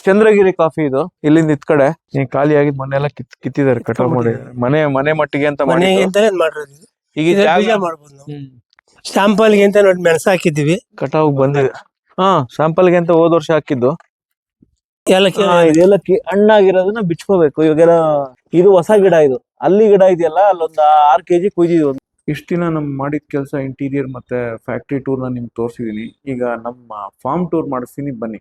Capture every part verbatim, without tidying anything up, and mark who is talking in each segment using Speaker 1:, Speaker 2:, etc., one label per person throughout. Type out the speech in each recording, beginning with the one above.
Speaker 1: Chandragiri coffee ಇದು ಇಲ್ಲಿಂದ ಇತ್ ಕಡೆ ಈ ಖಾಲಿ ಆಗಿದ್ ಮನೆ ಎಲ್ಲ ಕಿತ್ ಕಿತ್ತಿದ್ದಾರೆ ಕಟಾವ್ ಮಾಡಿ ಮನೆ ಮನೆ ಮಟ್ಟಿಗೆ ಅಂತ ಮಾಡಿ
Speaker 2: ಮನೆಗೆ ಅಂತಾನೆ ಮಾಡಿರೋದು ಇದು.
Speaker 1: ಈಗ
Speaker 2: ಇದ್ರ
Speaker 1: ಜಾಗ
Speaker 2: ಬೀಜ ಮಾಡ್ಬೋದು ನಾವು. ಸ್ಯಾಂಪಲ್ಗೆ ಅಂತ ನೋಡಿ ಮೆಣಸು ಹಾಕಿದ್ದೀವಿ.
Speaker 1: ಕಟಾವ್ ಬಂದಿದೆ. ಹಾ ಸ್ಯಾಂಪಲ್ಗೆ ಅಂತ ಹೋದ್ ವರ್ಷ ಹಾಕಿದ್ದು
Speaker 2: ಏಲಕ್ಕಿ
Speaker 1: ಹಾ, ಇದು ಏಲಕ್ಕಿ ಹಣ್ಣಾಗಿರೋದನ್ನ ಬಿಚ್ಕೋಬೇಕು. ಇವಾಗೆಲ್ಲ ಇದು ಹೊಸ ಗಿಡ, ಇದು ಅಲ್ಲಿ ಗಿಡ ಇದೆಯಲ್ಲ ಅಲ್ಲೊಂದ್ ಆರ್ ಕೆಜಿ ಕುಯ್ದಿದ್ವಿ. ಇಷ್ಟ ದಿನ ನಮ್ ಮಾಡಿದ ಕೆಲಸ ಇಂಟೀರಿಯರ್ ಮತ್ತೆ ಫ್ಯಾಕ್ಟ್ರಿ ಟೂರ್ ನ ನಿಮ್ಗೆ ತೋರಿಸಿದೀನಿ. ಈಗ ನಮ್ಮ ಫಾರ್ಮ್ ಟೂರ್ ಮಾಡಿಸ್ತೀನಿ, ಬನ್ನಿ.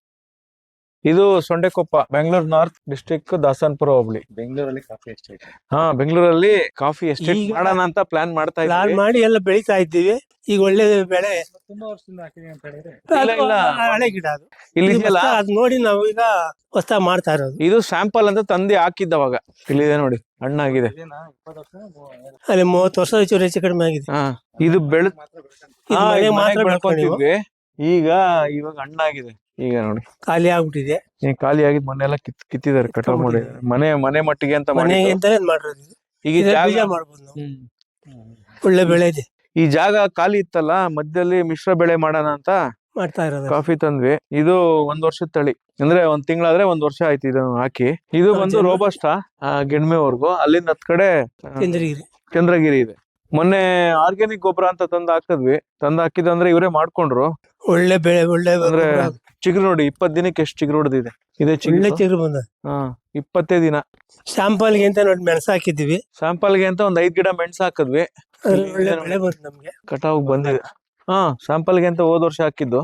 Speaker 1: ಇದು ಸೊಂಡೆಕೊಪ್ಪ, ಬೆಂಗಳೂರು ನಾರ್ತ್ ಡಿಸ್ಟ್ರಿಕ್ಟ್, ದಾಸನಪುರ ಹೋಬಳಿ.
Speaker 3: ಬೆಂಗಳೂರಲ್ಲಿ ಕಾಫಿ ಎಸ್ಟೇಟ್.
Speaker 1: ಹಾ, ಬೆಂಗಳೂರಲ್ಲಿ ಕಾಫಿ ಎಸ್ಟೇಟ್
Speaker 2: ಈಗ
Speaker 1: ಮಾಡೋಣ ಅಂತ ಪ್ಲಾನ್ ಮಾಡ್ತಾ
Speaker 2: ಪ್ಲಾನ್
Speaker 1: ಇದ್ದೀವಿ.
Speaker 2: ಮಾಡಿ ಎಲ್ಲ ಬೆಳಿತಾ ಇದ್ದೀವಿ. ಈಗ ಒಳ್ಳೆ ಬೆಳೆ.
Speaker 3: ತುಂಬಾ ವರ್ಷದಿಂದ ಹಾಕಿದೀನಿ ಅಂತ ಹೇಳಿದ್ರೆ
Speaker 1: ಇಲ್ಲ, ಇಲ್ಲ.
Speaker 2: ಅದು ಹಳೆ ಗಿಡ ಅದು.
Speaker 1: ಇಲ್ಲಿ
Speaker 2: ಇದು
Speaker 1: ಇದೆಯಲ್ಲ,
Speaker 2: ಹೊಸ- ಅದ್ ನೋಡಿ ನಾವು ಈಗ ಹೊಸ ಮಾಡ್ತಾ ಇರೋದು.
Speaker 1: ಇದು ಸ್ಯಾಂಪಲ್ ಅಂತ ತಂದೆ ಹಾಕಿದ್ದವಾಗ. ಇಲ್ಲಿದೆ ನೋಡಿ, ಹಣ್ಣಾಗಿದೆ.
Speaker 3: ಇದೇನಾ ಇಪ್ಪತ್ತು ವರ್ಷ ಮೂ-
Speaker 2: ಅಲ್ಲಿ ಮೂವತ್ತು ವರ್ಷ ಹೆಚ್ಚು ಹೆಚ್ಚು ಕಡಿಮೆ ಆಗಿದೆ.
Speaker 1: ಹಾ, ಇದು ಬೆಳೆ
Speaker 3: ಮಾತ್ರ ಬೆಳ್ಕೊಂಡ್-
Speaker 2: ಇದು
Speaker 1: ಹಾ,
Speaker 2: ಮನೆಗೆ
Speaker 1: ಇದು
Speaker 2: ಮಾತ್ರ
Speaker 1: ಮನೆಗ್
Speaker 2: ಬೆಳ್ಕೊಂಡಿವು.
Speaker 1: ಬೆಳ್ಕೊಂತಿದ್ವಿ. ಈಗ ಇವಾಗ ಹಣ್ಣಾಗಿದೆ. ಈಗ ನೋಡಿ,
Speaker 2: ಖಾಲಿ ಆಗ್ಬಿಟ್ಟಿದೆ.
Speaker 1: ಈ ಖಾಲಿ ಆಗಿದ್ ಮನೆ ಎಲ್ಲ ಕಿತ್ ಕಿತ್ತಿದ್ದಾರೆ ಕಟಾವ್ ಮಾಡಿ ಮನೆ ಮನೆ ಮಟ್ಟಿಗೆ ಅಂತ ಮಾಡಿ.
Speaker 2: ಮನೆಗೆ ಅಂತಾನೆ ಮಾಡಿರೋದು ಇದು.
Speaker 1: ಈಗ
Speaker 2: ಇದ್ರ
Speaker 1: ಜಾಗ
Speaker 2: ಬೀಜ ಮಾಡ್ಬೋದು ನಾವು.
Speaker 1: ಹ್ಮ್.
Speaker 2: ಒಳ್ಳೆ ಬೆಳೆ ಇದೆ.
Speaker 1: ಈ ಜಾಗ ಖಾಲಿ ಇತ್ತಲ್ಲ, ಮಧ್ಯದಲ್ಲಿ ಮಿಶ್ರ ಬೆಳೆ ಮಾಡೋಣ ಅಂತ
Speaker 2: ಮಾಡ್ತಾ ಇರೋದು.
Speaker 1: ಕಾಫಿ ತಂದ್ವಿ. ಇದು ಒಂದ್ ವರ್ಷದ ತಳಿ, ಅಂದ್ರೆ ಒಂದ್ ತಿಂಗಳಾದ್ರೆ ಒಂದ್ ವರ್ಷ ಆಯ್ತು ಇದನ್ನ ಹಾಕಿ. ಇದು ಬಂದು
Speaker 2: ಜನ-
Speaker 1: ರೋಬಸ್ಟಾ ಗೆಣ್ಮೆವರ್ಗು. ಅಲ್ಲಿಂದ ಹತ್ ಕಡೆ ಆ,
Speaker 2: ಚಂದ್ರಗಿರಿ
Speaker 1: ಚಂದ್ರಗಿರಿ ಇದೆ. ಮೊನ್ನೆ ಆರ್ಗ್ಯಾನಿಕ್ ಗೊಬ್ಬರ ಅಂತ ತಂದ್ ಹಾಕಿದ್ವಿ. ತಂದ್ ಹಾಕಿದಂದ್ರೆ ಇವರೇ ಮಾಡ್ಕೊಂಡ್ರು.
Speaker 2: ಒಳ್ಳೆ ಬೆಳೆ, ಒಳ್ಳೆ
Speaker 1: ಅಂದ್ರೆ
Speaker 2: ಗೊಬ್ಬರ.
Speaker 1: ಚಿಗುರು ನೋಡಿ, ಇಪ್ಪತ್ ದಿನಕ್ಕೆ ಎಷ್ಟು ಚಿಗುರು ಹೊಡೆದಿದೆ. ಇದೆ
Speaker 2: ಒಳ್ಳೆ
Speaker 1: ಚಿಗುರು.
Speaker 2: ಚಿಗುರು ಬಂದ.
Speaker 1: ಹಾ, ಇಪ್ಪತ್ತೇ ದಿನ.
Speaker 2: ಸ್ಯಾಂಪಲ್ಗೆ ಅಂತ ನೋಡಿ ಮೆಣಸು ಹಾಕಿದ್ದೀವಿ.
Speaker 1: ಸ್ಯಾಂಪಲ್ಗೆ ಅಂತ ಒಂದ್ ಐದ್ ಗಿಡ ಮೆಣಸು ಹಾಕಿದ್ವಿ.
Speaker 2: ಅದ್ರಲ್ಲಿ ಒಳ್ಳೆ ಬೆಳೆ ಬಂತು ನಮ್ಗೆ.
Speaker 1: ಕಟಾವ್ ಬಂದಿದೆ. ಹಾ, ಸ್ಯಾಂಪಲ್ಗೆ ಅಂತ ಹೋದ್ ವರ್ಷ ಹಾಕಿದ್ದು.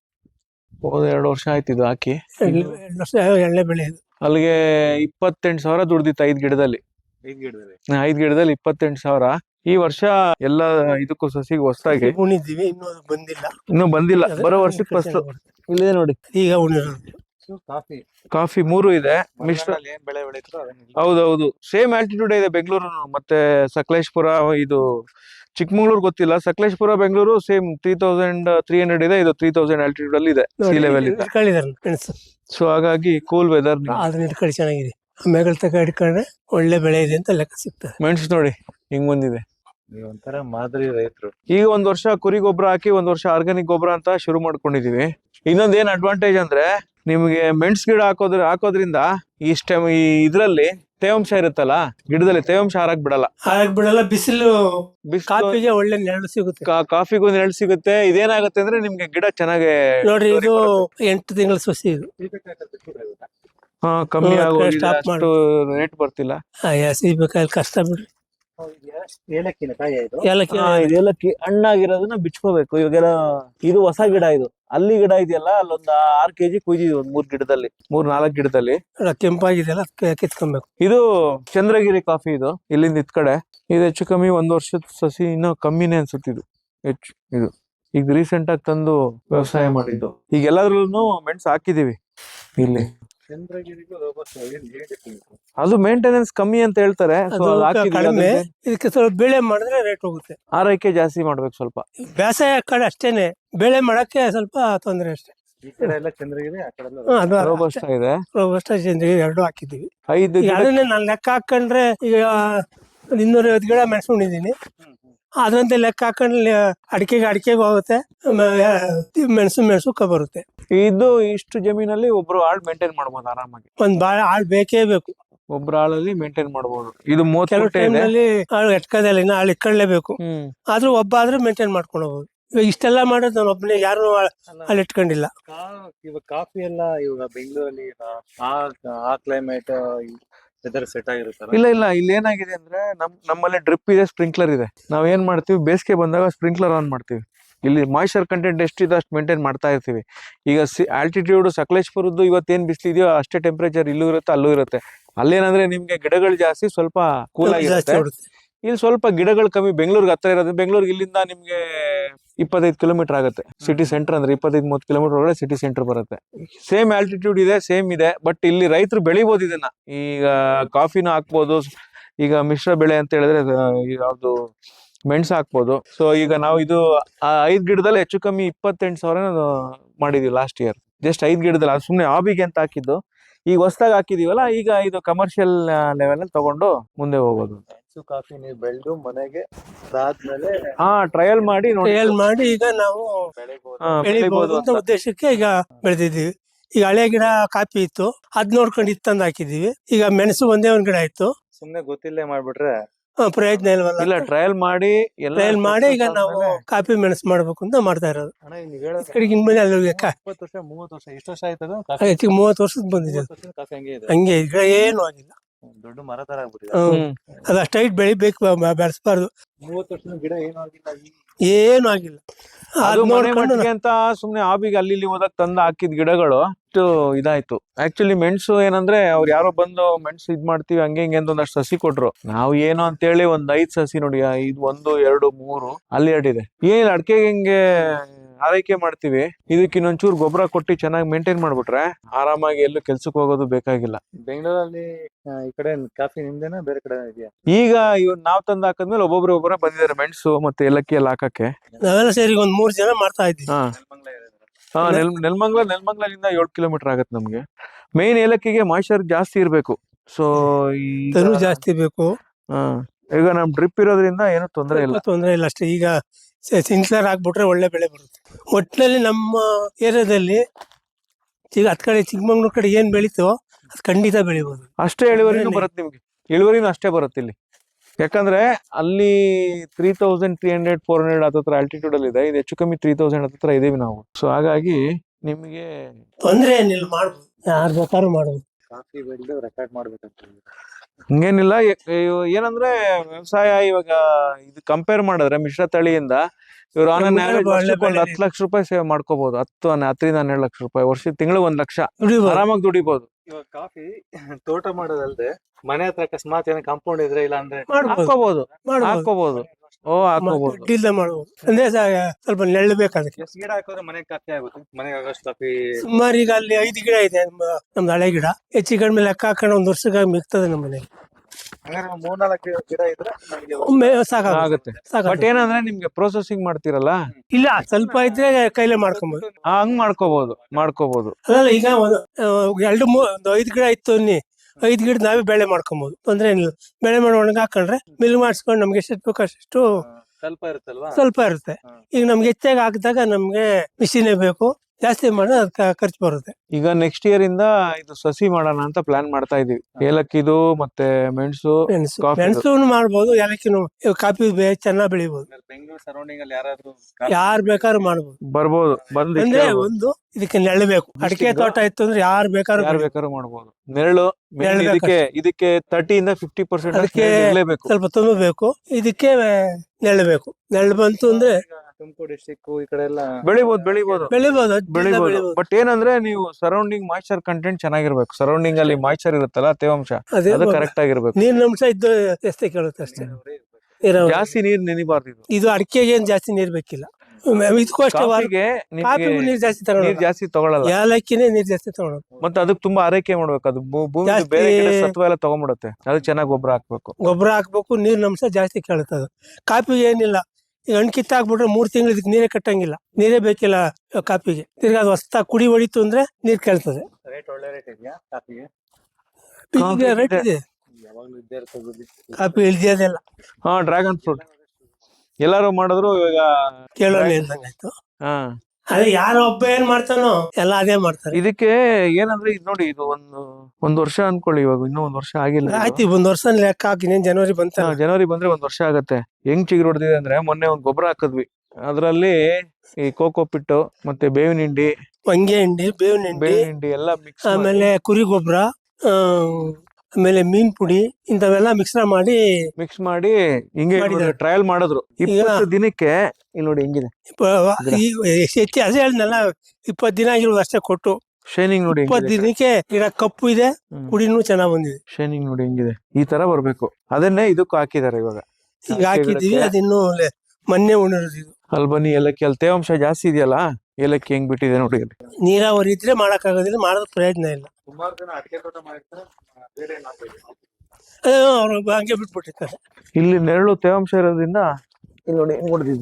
Speaker 1: ಹೋದ ಎರಡು ವರ್ಷ ಆಯ್ತಿದ್ದು ಹಾಕಿ.
Speaker 2: ಎಳ್ಳೆ- ಎಳ್ಳು ವರ್ಷ ಎಳ್ಳೆ ಬೆಳೆ ಇದು.
Speaker 1: ಅಲ್ಲಿಗೆ ಇಪ್ಪತ್ತೆಂಟು ಸಾವಿರ ದುಡ್ದಿತ್ತು ಐದ್ ಗಿಡದಲ್ಲಿ.
Speaker 3: ಐದ್ ಗಿಡದಲ್ಲಿ.
Speaker 1: ಐದ್ ಗಿಡದಲ್ಲಿ ಇಪ್ಪತ್ತೆಂಟು ಸಾವಿರ. ಈ ವರ್ಷ ಎಲ್ಲ ಇದಕ್ಕೂ ಸಸಿಗೆ ಹೊಸದಾಗಿ
Speaker 2: ಉಣಿದ್ದೀವಿ, ಇನ್ನೂ ಅದು ಬಂದಿಲ್ಲ.
Speaker 1: ಇನ್ನೂ ಬಂದಿಲ್ಲ.
Speaker 2: ಅದೇ
Speaker 1: ಬರೋ ವರ್ಷಕ್ಕೆ ಫಸ್ಟ್. ಇಲ್ಲೇ ನೋಡಿ,
Speaker 2: ಈಗ ಉಣಿರೋದು.
Speaker 3: ಸೊ ಕಾಫಿ
Speaker 1: ಕಾಫಿ ಮೂರು ಇದೆ. ಮಿಶ್ರ.
Speaker 3: ಮಲೆನಾಡಲ್ಲಿ ಏನ್ ಬೆಳೆ ಬೆಳೀತಾರೋ ಅದನ್ನ ಇಲ್ಲಿ
Speaker 1: ಹೌದೌದು, ಸೇಮ್ ಆಲ್ಟಿಟ್ಯೂಡ್ ಇದೆ. ಬೆಂಗಳೂರು ಮತ್ತೆ ಸಕಲೇಶ್ಪುರ, ಇದು ಚಿಕ್ಕಮಂಗ್ಳೂರ್ ಗೊತ್ತಿಲ್ಲ. Sakleshpur Bengaluru same three thousand three hundred ಇದೆ. ಇದು ತ್ರೀ ತೌಸಂಡ್ ಆಲ್ಟಿಟ್ಯೂಡ್ ಅಲ್ಲಿ ಇದೆ, ಸಿ ಲೆವೆಲ್ ಇದೆ.
Speaker 2: ಇಟ್ಕೊಂಡಿದ್ದಾರೆ ಮೆಣಸು.
Speaker 1: ಸೊ ಹಾಗಾಗಿ ಕೂಲ್ ವೆದರ್.
Speaker 2: ಅದನ್ನ ಇಟ್ಕೊಳ್ಳಿ, ಚೆನ್ನಾಗಿದೆ. ಆಮೇಲೆ ತಕ ಇಟ್ಕೊಂಡ್ರೆ ಒಳ್ಳೆ ಬೆಳೆ ಇದೆ ಅಂತ ಲೆಕ್ಕ ಸಿಗ್ತದೆ.
Speaker 1: ಮೆಣಸು ನೋಡಿ ಹಿಂಗ್ ಬಂದಿದೆ.
Speaker 3: ನೀವು ಒಂಥರ ಮಾದರಿ ರೈತರು.
Speaker 1: ಈಗ ಒಂದ್ ವರ್ಷ ಕುರಿ ಗೊಬ್ಬರ ಹಾಕಿ ಒಂದ್ ವರ್ಷ ಆರ್ಗಾನಿಕ್ ಗೊಬ್ಬರ ಅಂತ ಶುರು ಮಾಡ್ಕೊಂಡಿದೀವಿ. ಇನ್ನೊಂದ್ ಏನ್ ಅಡ್ವಾಂಟೇಜ್ ಅಂದ್ರೆ, ನಿಮ್ಗೆ ಮೆಣಸ್ ಗಿಡ ಹಾಕೋದ್ರ ಹಾಕೋದ್ರಿಂದ ಇಷ್ಟ ಈ ಇದ್ರಲ್ಲಿ ತೇವಾಂಶ ಇರುತ್ತಲ್ಲ, ಗಿಡದಲ್ಲಿ ತೇವಾಂಶ ಹಾರಕ್ ಬಿಡಲ್ಲ.
Speaker 2: ಹಾಗಾಗಿ ಬಿಡಲ್ಲ. ಬಿಸಿಲು
Speaker 1: ಬಿಸಿಲು
Speaker 2: ಕಾಫಿಗೆ ಒಳ್ಳೆ ನೆರಳು ಸಿಗುತ್ತೆ.
Speaker 1: ಕಾಫಿಗೂ ನೆರಳು ಸಿಗುತ್ತೆ. ಇದೇನಾಗುತ್ತೆ ಅಂದ್ರೆ ನಿಮ್ಗೆ ಗಿಡ ಚೆನ್ನಾಗಿ
Speaker 2: ನೋಡ್ರಿ, ಇದು ಎಂಟು ತಿಂಗಳ ಸಸಿ ಇದು.
Speaker 1: ಹಾ, ಕಮ್ಮಿ
Speaker 2: ಹ್ಮ್,
Speaker 1: ಆಗೋದಿಲ್ಲ.
Speaker 2: stop
Speaker 1: ಅಷ್ಟು ರೇಟ್ ಬರ್ತಿಲ್ಲ.
Speaker 2: ಸಿಗ್ಬೇಕಾದ್ರೆ ಕಷ್ಟ ಬಿಡ್ರಿ.
Speaker 3: ಏಲಕ್ಕಿನ ಕಾಯಿ ಇದು.
Speaker 2: ಏಲಕ್ಕಿ
Speaker 1: ಹಾ, ಇದು ಏಲಕ್ಕಿ ಹಣ್ಣಾಗಿರೋದನ್ನ ಬಿಚ್ಕೋಬೇಕು. ಇವಾಗೆಲ್ಲ ಇದು ಹೊಸ ಗಿಡ, ಇದು ಅಲ್ಲಿ ಗಿಡ ಇದೆಯಲ್ಲ ಅಲ್ಲೊಂದ್ ಆರ್ ಕೆಜಿ ಕುಯ್ದಿದ್ವಿ. ಒಂದ್ ಮೂರ್ ಗಿಡದಲ್ಲಿ, ಮೂರ್ ನಾಲ್ಕ್ ಗಿಡದಲ್ಲಿ.
Speaker 2: ಎಲ್ಲ ಕೆಂಪಾಗಿದೆಯಲ್ಲ, ಅದಕ್ಕೆ ಕಿತ್ಕೊಬೇಕು.
Speaker 1: ಇದು ಚಂದ್ರಗಿರಿ ಕಾಫಿ. ಇದು ಇಲ್ಲಿಂದ ಇತ್ ಕಡೆ. ಇದು ಹೆಚ್ಚು ಕಮ್ಮಿ ಒಂದ್ ವರ್ಷದ ಸಸಿ, ಇನ್ನೂ ಕಮ್ಮಿನೇ ಅನ್ಸುತ್ತೆ ಇದು ಹೆಚ್ಚು. ಇದು ಈಗ ರೀಸೆಂಟ್ ಆಗಿ ತಂದು ವ್ಯವಸಾಯ ಮಾಡಿದ್ದು. ಈಗ ಎಲ್ಲಾದ್ರಲ್ಲೂ ಮೆಣಸು ಹಾಕಿದೀವಿ ಇಲ್ಲಿ.
Speaker 3: ಚಂದ್ರಗಿರಿಗೂ ರೋಬಸ್ಟ ಏನ್ ಏನ್ difference?
Speaker 1: ಅದು ಮೇಂಟೆನೆನ್ಸ್ ಕಮ್ಮಿ ಅಂತ ಹೇಳ್ತಾರೆ. ಸೊ
Speaker 2: ಅದು
Speaker 1: ಅದು ಹಾಕಿದೀವಿ.
Speaker 2: ಕಡಿಮೆ.
Speaker 1: ಅದಕ್ಕೆ
Speaker 2: ಇದಕ್ಕೆ ಸ್ವಲ್ಪ ಬೆಳೆ ಮಾಡಿದ್ರೆ ರೇಟ್ ಹೋಗುತ್ತೆ.
Speaker 1: ಆರೈಕೆ ಜಾಸ್ತಿ ಮಾಡ್ಬೇಕು ಸ್ವಲ್ಪ.
Speaker 2: ಬೇಸಾಯ ಕಡೆ ಅಷ್ಟೇನೆ, ಬೆಳೆ ಮಾಡಕ್ಕೆ ಸ್ವಲ್ಪ ತೊಂದರೆ ಅಷ್ಟೇ.
Speaker 3: ಈ ಕಡೆ ಎಲ್ಲ ಚಂದ್ರಗಿರಿ, ಆ ಕಡೆ ಎಲ್ಲ
Speaker 2: ಹ್ಮ್, ಅದು
Speaker 1: ರೋಬಸ್ಟ ಇದೆ.
Speaker 2: ರೋಬಸ್ಟ ಚಂದ್ರಗಿರಿ ಎರಡು ಹಾಕಿದ್ದೀವಿ.
Speaker 1: ಐದು
Speaker 2: ಈಗ
Speaker 1: ಗಿಡ.
Speaker 2: ಅದನ್ನೇ ನಾನು ಲೆಕ್ಕ ಹಾಕೊಂಡ್ರೆ ಈಗ ಒಂದ್ ಇನ್ನೂರೈವತ್ತು ಗಿಡ ಮೆಣಸು ಉಣಿದೀನಿ. ಅದ್ರಂತೆ ಲೆಕ್ಕ ಹಾಕೊಂಡ್ರೆ ಅಡಿಕೆಗೆ ಅಡಿಕೆಗೆ ಹೋಗುತ್ತೆ, ಆಮೇಲೆ ಮೆಣಸು ಮೆಣಸು ಬರುತ್ತೆ.
Speaker 1: ಇದು ಇಷ್ಟು ಜಮೀನಲ್ಲಿ ಒಬ್ರು ಆಳ್ ಮೇಂಟೈನ್ ಮಾಡ್ಬೋದು ಆರಾಮಾಗಿ.
Speaker 2: ಒಂದ್ ಬಾಳ ಆಳ್ ಬೇಕೇ ಬೇಕು.
Speaker 1: ಒಬ್ರು ಆಳಲ್ಲಿ ಮೇಂಟೈನ್ ಮಾಡ್ಬೋದು. ಇದು ಮೂವತ್ತು
Speaker 2: ಕೆಲವು
Speaker 1: ಫುಟ್
Speaker 2: ಟೈಮ್
Speaker 1: ಇದೆ.
Speaker 2: ನಲ್ಲಿ ಆಳು ಎಟ್ಕೋದಿಲ್ಲ, ಇನ್ನು ಆಳು ಇಟ್ಕೊಳ್ಳೇಬೇಕು.
Speaker 1: ಹ್ಮ್.
Speaker 2: ಆದ್ರೂ ಒಬ್ಬ ಆದ್ರೂ ಮೇಂಟೈನ್ ಮಾಡ್ಕೊಂಡು ಹೋಗ್ಬೋದು. ಇವಾಗ ಇಷ್ಟೆಲ್ಲ ಮಾಡೋದು ನಾನು ಒಬ್ಬನೇ, ಯಾರು ಅಲ್ಲಿ ಇಟ್ಕೊಂಡಿಲ್ಲ.
Speaker 3: ಕಾ- ಇವಾಗ ಕಾಫಿ ಎಲ್ಲ ಇವಾಗ ಬೆಂಗಳೂರಲ್ಲಿ ಆ ಆ ಕ್ಲೈಮೇಟ್ ವೆದರ್ ಸೆಟ್ ಆಗಿರುತ್ತಲ್ಲ.
Speaker 1: ಇಲ್ಲ ಇಲ್ಲ, ಇಲ್ಲಿ ಏನಾಗಿದೆ ಅಂದ್ರೆ ನಮ್ ನಮ್ಮಲ್ಲಿ ಡ್ರಿಪ್ ಇದೆ, ಸ್ಪ್ರಿಂಕ್ಲರ್ ಇದೆ. ನಾವ್ ಏನ್ ಮಾಡ್ತೀವಿ, ಬೇಸಿಗೆ ಬಂದಾಗ ಸ್ಪ್ರಿಂಕ್ಲರ್ ಆನ್ ಮಾಡ್ತೀವಿ. ಇಲ್ಲಿ ಮಾಯಿಶ್ಚರ್ ಕಂಟೆಂಟ್ ಎಷ್ಟಿದೆ ಅಷ್ಟು ಮೇಂಟೈನ್ ಮಾಡ್ತಾ ಇರ್ತೀವಿ. ಈಗ ಸಿ ಆಲ್ಟಿಟ್ಯೂಡ್ ಸಕಲೇಶ್ಪುರದ್ದು ಇವತ್ತೇನ್ ಬಿಸಿಲಿದೆಯೋ ಅಷ್ಟೇ ಟೆಂಪರೇಚರ್ ಇಲ್ಲೂ ಇರುತ್ತೆ, ಅಲ್ಲೂ ಇರುತ್ತೆ. ಅಲ್ಲೇನಂದ್ರೆ ನಿಮ್ಗೆ ಗಿಡಗಳು ಜಾಸ್ತಿ, ಸ್ವಲ್ಪ ಕೂಲ್
Speaker 2: ಜಾಸ್ತಿ
Speaker 1: ಆಗಿರುತ್ತೆ.
Speaker 2: ಹೊಡುತ್ತೆ.
Speaker 1: ಇಲ್ಲಿ ಸ್ವಲ್ಪ ಗಿಡಗಳು ಕಮ್ಮಿ. ಬೆಂಗಳೂರಿಗೆ ಹತ್ರ ಇರೋದು. ಬೆಂಗಳೂರಿಗೆ ಇಲ್ಲಿಂದ ನಿಮ್ಗೆ ಇಪ್ಪತ್ತೈದು ಕಿಲೋಮೀಟರ್ ಆಗುತ್ತೆ. ಸಿಟಿ ಸೆಂಟರ್ ಅಂದ್ರೆ ಇಪ್ಪತ್ತೈದು ಮೂವತ್ತು ಕಿಲೋಮೀಟರ್ ಒಳಗಡೆ ಸಿಟಿ ಸೆಂಟರ್ ಬರುತ್ತೆ. ಸೇಮ್ ಆಲ್ಟಿಟ್ಯೂಡ್ ಇದೆ, ಸೇಮ್ ಇದೆ. ಬಟ್ ಇಲ್ಲಿ ರೈತರು ಬೆಳಿಬೋದು ಇದನ್ನ. ಈಗ ಕಾಫಿನ ಹಾಕ್ಬೋದು. ಈಗ ಮಿಶ್ರ ಬೆಳೆ ಅಂತ ಹೇಳಿದ್ರೆ ಯಾವ್ದು ಮೆಣಸು ಹಾಕ್ಬೋದು. ಸೊ ಈಗ ನಾವು ಇದು ಆ ಐದ್ ಗಿಡದಲ್ಲಿ ಹೆಚ್ಚು ಕಮ್ಮಿ ಇಪ್ಪತ್ತೆಂಟು ಸಾವಿರ ಮಾಡಿದೀವಿ ಲಾಸ್ಟ್ ಇಯರ್. ಜಸ್ಟ್ ಐದ್ ಗಿಡದಲ್ಲಿ. ಅದು ಸುಮ್ನೆ ಹಾಬಿಗೆ ಅಂತ ಹಾಕಿದ್ದು. ಈಗ ಹೊಸದಾಗಿ ಹಾಕಿದೀವಲ್ಲ, ಈಗ ಇದು ಕಮರ್ಷಿಯಲ್ ಲೆವೆಲ್ ಅಲ್ಲಿ ತಗೊಂಡು ಮುಂದೆ ಹೋಗೋದು.
Speaker 3: ಮೆಣಸು ಕಾಫಿ ನೀವು ಬೆಳೆದು ಮನೆಗೆ ಅದಾದ್ಮೇಲೆ
Speaker 1: ಹಾ, ಟ್ರಯಲ್ ಮಾಡಿ ನೋಡಿ.
Speaker 2: ಟ್ರಯಲ್ ಮಾಡಿ ಈಗ ನಾವು
Speaker 3: ಬೆಳಿಬಹುದು.
Speaker 1: ಹಾ,
Speaker 2: ಬೆಳಿಬಹುದು
Speaker 1: ಬೆಳಿಬೋದು
Speaker 2: ಅಂತ
Speaker 1: ಅಂತ.
Speaker 2: ಉದ್ದೇಶಕ್ಕೆ ಈಗ ಬೆಳೆದಿದ್ದೀವಿ. ಈಗ ಹಳೆ ಗಿಡ ಕಾಪಿ ಇತ್ತು ಅದ್ ನೋಡ್ಕೊಂಡು ಇತ್ತು ತಂದು ಹಾಕಿದೀವಿ. ಈಗ ಮೆಣಸು ಒಂದೇ ಒಂದ್ ಗಿಡ ಇತ್ತು,
Speaker 3: ಸುಮ್ನೆ ಗೊತ್ತಿಲ್ಲೇ ಮಾಡ್ಬಿಟ್ರೆ
Speaker 2: ಆ, ಪ್ರಯೋಜನ ಇಲ್ವಲ್ಲ.
Speaker 1: ಇಲ್ಲ ಟ್ರಯಲ್ ಮಾಡಿ ಎಲ್ಲ
Speaker 2: ಟ್ರಯಲ್ ಮಾಡಿ ಈಗ
Speaker 1: success
Speaker 2: ನಾವು
Speaker 1: ಆದ್ಮೇಲೆ-
Speaker 2: ಕಾಪಿ ಮೆಣಸು ಮಾಡ್ಬೇಕು ಅಂತ ಮಾಡ್ತಾ ಇರೋದು.
Speaker 3: ಅಣ್ಣ ನೀವು ಹೇಳೋದು
Speaker 2: ಈ ಕಡೆಗೆ ಇನ್ಮೇಲೆ ಅಲ್ಲಿ ಕಾ-
Speaker 3: ಇಪ್ಪತ್ತು ವರ್ಷ ಮೂವತ್ತು ವರ್ಷ ಎಷ್ಟು ವರ್ಷ ಆಯ್ತದ
Speaker 2: ಹೆಚ್ಚಿಗೆ ಮೂವತ್ತು ವರ್ಷದ ಬಂದಿದೆ ಅದು.
Speaker 3: ವರ್ಷದ ಕಾಫಿ ಹಂಗೆ ಇದೆ,
Speaker 2: ಹಂಗೆ ಈ ಗಿಡ ಏನು ಆಗಿಲ್ಲ.
Speaker 3: ದೊಡ್ಡ ಮರ ತರ ಆಗ್ಬಿಟ್ಟಿದೆ.
Speaker 2: ಹ್ಮ್.
Speaker 1: ಹ್ಮ್.
Speaker 2: ಅದು ಅಷ್ಟೈಟ್ ಬೆಳಿಬೇಕು, ಬ- ಬೆಳೆಸ್ಬಾರ್ದು.
Speaker 3: ಮೂವತ್ತು ವರ್ಷದ ಗಿಡ ಏನೂ ಆಗಿಲ್ಲ. ಈ
Speaker 2: ಏನು ಆಗಿಲ್ಲ.
Speaker 1: ಅದು
Speaker 2: ಅದ್
Speaker 1: ಮನೆ
Speaker 2: ನೋಡ್ಕೊಂಡು
Speaker 1: ಮಟ್ಟಿಗೆ ಅಂತ ಸುಮ್ನೆ ಆಬಿಗೆ ಅಲ್ಲಿ ಇಲ್ಲಿ ಹೋದಾಗ ತಂದು ಹಾಕಿದ ಗಿಡಗಳು ಅಷ್ಟು ಇದಾಯ್ತು. ಆಕ್ಚುಲಿ ಮೆಣಸು ಏನಂದ್ರೆ ಅವ್ರು ಯಾರೋ ಬಂದು ಮೆಣಸು ಇದ್ ಮಾಡ್ತೀವಿ ಹಂಗೆ ಹಿಂಗೆ ಅಂತ ಒಂದಷ್ಟು ಸಸಿ ಕೊಟ್ರು. ನಾವು ಏನು ಅಂತೇಳಿ ಒಂದ್ ಐದ್ ಸಸಿ ನೋಡಿ, ಇದು ಒಂದು ಎರಡು ಮೂರು ಅಲ್ಲಿ ಎರಡಿದೆ. ಏನಿಲ್ಲ ಅಡಿಕೆಗೆ ಹಿಂಗೆ ಆರೈಕೆ ಮಾಡ್ತೀವಿ, ಇದಕ್ಕೆ ಇನ್ನೊಂಚೂರು ಗೊಬ್ಬರ ಕೊಟ್ಟು ಚೆನ್ನಾಗಿ ಮೇಂಟೈನ್ ಮಾಡ್ಬಿಟ್ರೆ ಆರಾಮಾಗಿ ಎಲ್ಲೂ ಕೆಲ್ಸಕ್ಕೆ ಹೋಗೋದು ಬೇಕಾಗಿಲ್ಲ.
Speaker 3: ಬೆಂಗಳೂರಲ್ಲಿ ಆ, ಈ ಕಡೆ ಕಾಫಿ ನಿಮ್ದೇನಾ ಬೇರೆ ಕಡೆ ಇದೆಯಾ?
Speaker 1: ಈಗ ಇವ್ ನಾವ್ ತಂದು ಹಾಕದ್ಮೇಲೆ ಒಬ್ಬೊಬ್ರು ಒಬ್ಬರ ಬಂದಿದ್ದಾರೆ ಮೆಣಸು ಮತ್ತೆ ಏಲಕ್ಕಿ ಎಲ್ಲ ಹಾಕಕ್ಕೆ.
Speaker 2: ನಾವೆಲ್ಲ ಸೇರಿ ಒಂದ್ ಮೂರ್ ಜನ ಮಾಡ್ತಾ ಇದ್ವಿ.
Speaker 1: ಹಾ ಹಾ ನೆಲ್ ನೆಲ್ಮಂಗ್ಲ ನೆಲ್ಮಂಗ್ಲಿಂದ ಏಳು ಕಿಲೋಮೀಟರ್ ಆಗತ್ತೆ ನಮ್ಗೆ. ಮೇನ್ ಏಲಕ್ಕಿಗೆ ಮಾಯ್ಚರ್ ಜಾಸ್ತಿ ಇರ್ಬೇಕು. ಸೊ
Speaker 2: ತನು ಜಾಸ್ತಿ ಬೇಕು,
Speaker 1: ಹಾ ಈಗ ನಮ್ ಡ್ರಿಪ್ ಇರೋದ್ರಿಂದ ಏನು ತೊಂದರೆ ಇಲ್ಲ.
Speaker 2: ತೊಂದರೆ ಇಲ್ಲ ಅಷ್ಟೇ. ಈಗ ಸಿಂಕ್ಲರ್ ಹಾಕ್ಬಿಟ್ರೆ ಒಳ್ಳೆ ಬೆಳೆ ಬರುತ್ತೆ. ಒಟ್ಟಿನಲ್ಲಿ ನಮ್ಮ ಏರಿಯಾದಲ್ಲಿ ಈಗ ಹತ್ ಕಡೆ ಚಿಕ್ಕಮಂಗ್ಳೂರ್ ಕಡೆ ಏನ್ ಬೆಳೀತೋ ಅದು ಖಂಡಿತ ಬೆಳಿಬೋದು.
Speaker 1: ಅಷ್ಟೇ ಇಳುವರಿನೂ ಬರುತ್ತೆ ನಿಮ್ಗೆ, ಇಳುವರಿನೂ ಅಷ್ಟೇ ಬರುತ್ತೆ ಇಲ್ಲಿ. ಯಾಕಂದ್ರೆ ಅಲ್ಲಿ three thousand three hundred four hundred ಹತ್ತತ್ರ ಆಲ್ಟಿಟ್ಯೂಡ್ ಅಲ್ಲಿ ಇದೆ, ಇದು ಹೆಚ್ಚು ಕಮ್ಮಿ ತ್ರೀ ತೌಸಂಡ್ ಹತ್ತತ್ರ ಇದೀವಿ ನಾವು. ಸೊ ಹಾಗಾಗಿ ನಿಮ್ಗೆ
Speaker 2: ತೊಂದ್ರೆ ಏನಿಲ್ಲ, ಮಾಡ್ಬೋದು, ಯಾರು ಬೇಕಾದ್ರೂ ಮಾಡ್ಬೋದು.
Speaker 3: ಕಾಫಿ ಬೆಳೆದು ರೆಕಾರ್ಡ್ ಮಾಡ್ಬೇಕಂತ.
Speaker 1: ಹಂಗೇನಿಲ್ಲ. ಏ- ಇವ್ ಏನಂದ್ರೆ ವ್ಯವಸಾಯ ಇವಾಗ ಇದು ಕಂಪೇರ್ ಮಾಡಿದ್ರೆ ಮಿಶ್ರ ತಳಿಯಿಂದ ಇವ್ರು ಆನ್
Speaker 2: ನಮ್ಗೆ
Speaker 1: ಆವರೇಜ್
Speaker 2: ಒಳ್ಳೆ
Speaker 1: ವರ್ಷಕ್ಕೆ ಒಂದು
Speaker 2: ಬೆಲೆ
Speaker 1: ಹತ್ತು ಲಕ್ಷ ರೂಪಾಯಿ ಸೇವ್ ಮಾಡ್ಕೋಬಹುದು. ಹತ್ತು ಹತ್ತರಿಂದ ಹನ್ನೆರಡು ಲಕ್ಷ ರೂಪಾಯಿ ವರ್ಷ, ತಿಂಗಳು ಒಂದ್ ಲಕ್ಷ
Speaker 2: ದುಡಿಬೋದು.
Speaker 1: ಆರಾಮಾಗಿ ದುಡಿಬಹುದು.
Speaker 3: ಇವಾಗ ಕಾಫಿ ತೋಟ ಮಾಡೋದಲ್ದೆ ಮನೆ ಹತ್ರ ಅಕಸ್ಮಾತ್ ಏನೋ ಕಾಂಪೌಂಡ್ ಇದ್ರೆ ಇಲ್ಲ ಅಂದ್ರೆ
Speaker 2: ಮಾಡ್ಬೋದು,
Speaker 1: ಹಾಕೋಬಹುದು
Speaker 2: ಮಾಡ್ಬೋದು.
Speaker 1: ಹಾಕೋಬಹುದು ಓ ಹಾಕೋಬಹುದು.
Speaker 2: ದುಡ್ಡಿಲ್ದೆ ಮಾಡ್ಬೋದು. ಅಂದ್ರೆ ಸ- ಸ್ವಲ್ಪ ನೆರಳು ಬೇಕು ಅದಕ್ಕೆ.
Speaker 3: ಎಷ್ಟು ಗಿಡ ಹಾಕಿದ್ರೆ ಮನೆಗೆ ಕಾಫಿ ಆಗುತ್ತೆ? ಮನೆಗೆ ಆಗೋಷ್ಟು ಕಾಫಿ
Speaker 2: ಸುಮಾರು ಈಗ ಅಲ್ಲಿ ಐದು ಗಿಡ ಇದೆ ನಮ್ಮ- ನಮ್ದು ಹಳೆ ಗಿಡ. ಹೆಚ್ಚು ಕಡಿಮೆ ಲೆಕ್ಕ ಹಾಕೊಂಡು ಒಂದ್ ವರ್ಷಕ್ಕೆ ಮಿಗ್ತದೆ ನಮ್ಮ ಮನೆಗೆ.
Speaker 3: ಹಂಗಾರೆ ಮೂರ್ನಾಲ್ಕು ಗಿಡ ಇದ್ರೆ ನಮಗೆ
Speaker 2: ಒಮ್ಮೆ ಸಾಕಾಗುತ್ತೆ
Speaker 1: ಆಗುತ್ತೆ. ಬಟ್
Speaker 2: ಸಾಕಾಗುತ್ತೆ.
Speaker 1: ಏನಂದ್ರೆ ನಿಮ್ಗೆ ಪ್ರೊಸೆಸಿಂಗ್ ಮಾಡ್ತಿರಲ್ಲ,
Speaker 2: ಇಲ್ಲ ಸ್ವಲ್ಪ ಇದ್ರೆ ಕೈಲೇ ಮಾಡ್ಕೊಬೋದು.
Speaker 1: ಆ, ಹಂಗ್ ಮಾಡ್ಕೋಬಹುದು ಮಾಡ್ಕೋಬಹುದು.
Speaker 2: ಅಲ್ಲ ಈಗ ಒಂದು ಆ, ಎರಡು ಮೂರು ಒಂದು ಐದು ಗಿಡ ಇತ್ತು ಅನ್ನಿ, ಐದು ಗಿಡ ನಾವೇ ಬೆಳೆ ಮಾಡ್ಕೊಬೋದು, ತೊಂದ್ರೆ ಏನಿಲ್ಲ. ಬೆಳೆ ಮಾಡಿ ಒಣಗಿ ಹಾಕೊಂಡ್ರೆ ಮಿಲ್ ಮಾಡಿಸ್ಕೊಂಡು ನಮ್ಗೆ ಎಷ್ಟು ಬೇಕು ಅಷ್ಟು
Speaker 3: ಸ್ವಲ್ಪ ಇರುತ್ತಲ್ವಾ?
Speaker 2: ಸ್ವಲ್ಪ ಇರುತ್ತೆ. ಈಗ ನಮ್ಗೆ ಹೆಚ್ಚಾಗಿ ಹಾಕಿದಾಗ ನಮ್ಗೆ ಮಿಷಿನೇ ಬೇಕು, ಜಾಸ್ತಿ ಮಾಡಿದ್ರೆ ಅದಕ್ಕೆ ಖರ್ಚು ಬರುತ್ತೆ.
Speaker 1: ಈಗ ನೆಕ್ಸ್ಟ್ ಇಯರ್ ಇಂದ ಇದು ಸಸಿ ಮಾಡೋಣ ಅಂತ ಪ್ಲಾನ್ ಮಾಡ್ತಾ ಇದೀವಿ. ಏಲಕ್ಕಿದು ಮತ್ತೆ ಮೆಣಸು,
Speaker 2: ಮೆಣಸು
Speaker 1: ಕಾಫಿ
Speaker 2: ಮೆಣಸು ಮಾಡ್ಬೋದು, ಏಲಕ್ಕಿನೂ ಕಾಫಿ ಚೆನ್ನಾಗಿ ಬೆಳಿಬೋದು.
Speaker 3: ಬೆಂಗಳೂರು ಸರೌಂಡಿಂಗ್ ಅಲ್ಲಿ ಯಾರಾದ್ರೂ
Speaker 2: ಯಾರು ಬೇಕಾದ್ರೂ ಮಾಡ್ಬೋದು.
Speaker 1: ಬರ್ಬೋದು ಬಂದು
Speaker 2: ಅಂದ್ರೆ ಒಂದು ಇದಕ್ಕೆ ನೆರಳು ಬೇಕು. ಅಡಿಕೆ ತೋಟ ಇತ್ತು ಅಂದ್ರೆ ಯಾರು ಬೇಕಾದ್ರೂ
Speaker 1: ಯಾರು
Speaker 2: ಬೆಳಿಬೋದು.
Speaker 1: ಬೇಕಾದ್ರೂ ಮಾಡ್ಬೋದು. ನೆರಳು main
Speaker 2: ನೆರಳು
Speaker 1: ಇದಕ್ಕೆ ಇದಕ್ಕೆ ತರ್ಟಿ ಇಂದ ಫಿಫ್ಟಿ ಪರ್ಸೆಂಟ್
Speaker 2: ಅದಕ್ಕೆ
Speaker 1: ಇರಲೇಬೇಕು.
Speaker 2: ಸ್ವಲ್ಪ ತುಂಬಬೇಕು. ಇದಕ್ಕೆ ನೆರಳು ಬೇಕು. ನೆರಳು ಬಂತು ಅಂದ್ರೆ
Speaker 3: ತುಮಕೂರು ಡಿಸ್ಟಿಕ್ ಈ ಕಡೆ ಎಲ್ಲ
Speaker 1: ಬೆಳಿಬೋದು ಬೆಳಿಬೋದು
Speaker 2: ಬೆಳಿಬೋದು, ಅದ್ರಿಂದ
Speaker 1: ಬೆಳಿಬೋದು.
Speaker 2: ಬೆಳಿಬೋದು.
Speaker 1: ಬಟ್ ಏನಂದ್ರೆ ನೀವು ಸರೌಂಡಿಂಗ್ ಮಾಯ್ಚರ್ ಕಂಟೆಂಟ್ ಚೆನ್ನಾಗಿರ್ಬೇಕು. ಸರೌಂಡಿಂಗ್ ಅಲ್ಲಿ ಮಾಯ್ಚರ್ ಇರುತ್ತಲ್ಲ, ತೇವಾಂಶ
Speaker 2: ಅದೇ
Speaker 1: ಅದು ಕರೆಕ್ಟ್ ಆಗಿರ್ಬೇಕು.
Speaker 2: ನೀರಿನ ಅಂಶ ಇದ್ದು ಜಾಸ್ತಿ ಕೇಳುತ್ತೆ ಅಷ್ಟೇ. ನೀರಾವರಿ.
Speaker 1: ಜಾಸ್ತಿ ನೀರ್ ನೆನಿಬಾರ್ದು. ಇದು
Speaker 2: ಇದು ಅಡಿಕೆಗೆ ಏನ್ ಜಾಸ್ತಿ ನೀರ್ ಬೇಕಿಲ್ಲ. ಇದಕ್ಕೂ ಅಷ್ಟೇ.
Speaker 1: ಕಾಫಿಗೆ ನಿಮ್ಗೆ
Speaker 2: ಕಾಫಿಗೂ ನೀರ್ ಜಾಸ್ತಿ
Speaker 1: ನೀರ್
Speaker 2: ತಗೊಳ್ಳೋದು,
Speaker 1: ಜಾಸ್ತಿ ತಗೊಳಲ್ಲ.
Speaker 2: ಏಲಕ್ಕಿನೇ ನೀರ್ ಜಾಸ್ತಿ ತಗೊಳ್ಳೋದು.
Speaker 1: ಮತ್ತೆ ಅದಕ್ಕೆ ತುಂಬಾ ಆರೈಕೆ ಮಾಡ್ಬೇಕು. ಅದು ಭೂ- ಭೂಮಿ
Speaker 2: ಜಾಸ್ತಿ-
Speaker 1: ಬೇರೆ ಗಿಡ ಸತ್ವ ಎಲ್ಲ ತಗೊಂಡ್ಬಿಡುತ್ತೆ. ಅದಕ್ಕೆ ಚೆನ್ನಾಗಿ ಗೊಬ್ಬರ ಹಾಕ್ಬೇಕು.
Speaker 2: ಗೊಬ್ಬರ ಹಾಕ್ಬೇಕು, ನೀರಿನ ಅಂಶ ಜಾಸ್ತಿ ಕೇಳುತ್ತೆ ಅದು. ಕಾಫಿಗೆ ಏನಿಲ್ಲ, ಈಗ ಹಣ್ಣು ಕಿತ್ತಾಕ್ಬಿಟ್ರೆ ಮೂರ್ ತಿಂಗಳು ಇದಕ್ಕೆ ನೀರೇ ಕಟ್ಟಂಗಿಲ್ಲ, ನೀರೇ ಬೇಕಿಲ್ಲ ಕಾಫಿಗೆ. ತಿರ್ಗಾ ಅದು ಹೊಸ್ತಾ ಕುಡಿ ಹೊಡಿತು ಅಂದ್ರೆ ನೀರ್ ಕೇಳ್ತದೆ.
Speaker 3: ರೇಟ್ ಒಳ್ಳೆ ರೇಟ್ ಇದೆಯಾ ಕಾಫಿಗೆ?
Speaker 2: ಈಗ ರೇಟ್ ಇದೆ,
Speaker 3: ಯಾವಾಗ್ಲೂ ಇದ್ದೇ ಇರ್ತದೆ.
Speaker 2: ಕಾಫಿ ಇಳ್ದಿಯೋದೆಲ್ಲ
Speaker 1: ಹಾ ಡ್ರ್ಯಾಗನ್ ಫ್ರೂಟ್ ಎಲ್ಲಾರು ಮಾಡಿದ್ರು ಇವಾಗ.
Speaker 2: ಕೇಳೋಣ ಅಂದಂಗಾಯ್ತು.
Speaker 1: ಹಾ
Speaker 2: ಅದೇ ಯಾರೋ ಒಬ್ಬ ಏನ್ ಮಾಡ್ತಾನೋ ಎಲ್ಲ ಅದೇ ಮಾಡ್ತಾರೆ.
Speaker 1: ಇದಕ್ಕೆ ಏನಂದ್ರೆ ಇದು ನೋಡಿ, ಇದು ಒಂದು ಒಂದ್ ವರ್ಷ ಅನ್ಕೊಳ್ಳಿ. ಇವಾಗ ಇನ್ನೂ ಒಂದ್ ವರ್ಷ ಆಗಿಲ್ಲ. ಇದು.
Speaker 2: ಆಯ್ತು, ಒಂದ್ ವರ್ಷ ಲೆಕ್ಕ ಹಾಕಿ ಇನ್ನೇನ್ ಜನವರಿ ಬಂತ.
Speaker 1: ಹಾ, ಜನವರಿ ಬಂದ್ರೆ ಒಂದ್ ವರ್ಷ ಆಗತ್ತೆ. ಹೆಂಗ್ ಚಿಗುರು ಹೊಡೆದಿದೆ ಅಂದ್ರೆ ಮೊನ್ನೆ ಒಂದ್ ಗೊಬ್ಬರ ಹಾಕಿದ್ವಿ. ಅದ್ರಲ್ಲಿ ಈ ಕೋಕೋ ಪಿಟ್ಟು ಮತ್ತೆ ಬೇವಿನ ಹಿಂಡಿ,
Speaker 2: ಹೊಂಗೆ ಹಿಂಡಿ, ಬೇವಿನ ಹಿಂಡಿ,
Speaker 1: ಬೇವಿನ ಹಿಂಡಿ ಎಲ್ಲ ಮಿಕ್ಸ್
Speaker 2: ಆಮೇಲೆ ಕುರಿ ಗೊಬ್ಬರ, ಆಮೇಲೆ ಮೀನ್ ಪುಡಿ, ಇಂಥವೆಲ್ಲ ಮಿಕ್ಸ್ರ ಮಾಡಿ
Speaker 1: ಮಿಕ್ಸ್ ಮಾಡಿ ಹಿಂಗೆ
Speaker 2: ಮಾಡಿದ್ದಾರೆ.
Speaker 1: ಟ್ರಯಲ್ ಮಾಡಿದ್ರು. ಇಪ್ಪತ್ತು ದಿನಕ್ಕೆ ಇಲ್ಲಿ ನೋಡಿ ಹೆಂಗಿದೆ
Speaker 2: ಹೆಚ್ಚಿ ಅದೇ ಹೇಳಿದ್ನಲ್ಲ, ಇಪ್ಪತ್ ದಿನ ಆಗಿರೋದು ಅಷ್ಟೇ ಕೊಟ್ಟು.
Speaker 1: ಶೈನಿಂಗ್ ನೋಡಿ
Speaker 2: ಇಪ್ಪತ್ ದಿನಕ್ಕೆ ಗಿಡ ಕಪ್ಪು ಇದೆ, ಕುಡಿನೂ ಚೆನ್ನಾಗ್ ಬಂದಿದೆ.
Speaker 1: ಶೈನಿಂಗ್ ನೋಡಿ ಹೆಂಗಿದೆ. ಈ ತರ ಬರ್ಬೇಕು. ಅದನ್ನೇ ಇದಕ್ಕೂ ಹಾಕಿದ್ದಾರೆ ಇವಾಗ.
Speaker 2: ಈಗ ಹಾಕಿದೀವಿ, ಅದಿನ್ನೂ ಲೆ- ಮೊನ್ನೆ ಉಣಿರೋದು ಇದು.
Speaker 1: ಅಲ್ಲಿ ಬನ್ನಿ, ಏಲಕ್ಕಿ ಅಲ್ಲಿ ತೇವಾಂಶ ಜಾಸ್ತಿ ಇದೆಯಲ್ಲ, ಏಲಕ್ಕಿ ಹೆಂಗ್ ಬಿಟ್ಟಿದೆ ನೋಡಿ ಅಲ್ಲಿ.
Speaker 2: ನೀರಾವರಿ ಇದ್ರೆ ಮಾಡಕ್ ಆಗೋದಿಲ್ಲ, ಮಾಡೋದ್ ಪ್ರಯೋಜನ ಇಲ್ಲ.
Speaker 3: ಸುಮಾರು ಜನ ಅಡಿಕೆ ತೋಟ ಮಾಡಿರ್ತಾರೆ, ಬೇರೆ ಏನ್ ಹಾಕ್ಬೇಕು?
Speaker 2: ಅದು ಅವ್ರು ಹಂಗೆ ಬಿಟ್ಬಿಟ್ಟಿರ್ತಾರೆ.
Speaker 1: ಇಲ್ಲಿ ನೆರಳು ತೇವಾಂಶ ಇರೋದ್ರಿಂದ ಇಲ್ಲಿ ನೋಡಿ ಹೆಂಗ್ ಹೊಡೆದಿದೆ.